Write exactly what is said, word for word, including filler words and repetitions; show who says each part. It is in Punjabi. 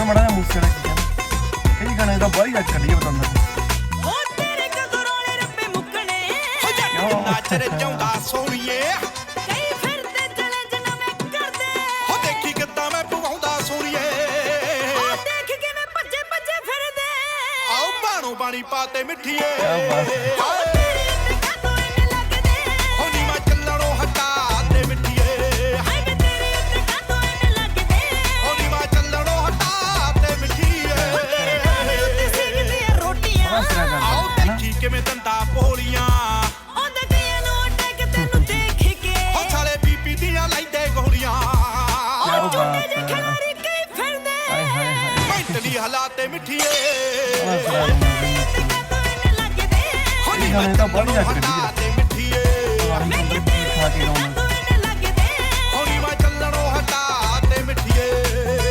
Speaker 1: ਮਾੜਾ ਜਿਹਾ ਮੂਸੇ ਵਾਲਾ ਕੀ ਕਹਿੰਦਾ ਕਈ ਗਾਣੇ ਤਾਂ ਬਾਹਲੀ ਅੱਜ ਕੱਢੀਏ ਬਤੰਦਰ
Speaker 2: ਨਾਚਰ ਚਾਉਂਦਾ ਸੋਣੀਏ ਕਈ ਫਿਰਦੇ ਚੈਲੰਜ ਨਵੇਂ ਕਰਦੇ ਹੋ ਦੇਖੀ ਕਿੱਦਾਂ ਮੈਂ ਪਵਾਉਂਦਾ ਸੋਣੀਏ ਉਹ ਦੇਖ ਕਿਵੇਂ ਭੱਜੇ ਭੱਜੇ ਫਿਰਦੇ ਆਓ ਬਾਣੋ ਬਾਣੀ ਪਾਤੇ ਮਿੱਠੀਏ ਕਿਵੇਂ ਦੰਦਾ ਪੋਲੀਆਂ ਉਹਦੇ ਕਈਆਂ ਨੂੰ ਅਟੈਕ ਤੈਨੂੰ ਦੇਖ ਕੇ ਉਹ ਸਾਲੇ ਬੀਬੀ ਦੀਆਂ ਲਾਈਦੇ ਗੋਲੀਆਂ ਉਹ ਚੁੱਟੇ ਜੇ ਖਿਲਾੜੀ ਕਈ ਫਿਰਦੇ ਹਾਏ ਹਾਏ ਹਾਏ ਮੈਂਟਲੀ ਹਾਲਾਤੇ ਮਿੱਠੀਏ ਲੱਗਦੇ ਹੋਣੀ ਤਾਂ ਬੜੀ ਲੱਗ ਰਹੀ ਹੈ ਮਿੱਠੀਏ ਮੈਂ ਕਿਤੇ ਖਾ ਕੇ ਲਾਉਣਾ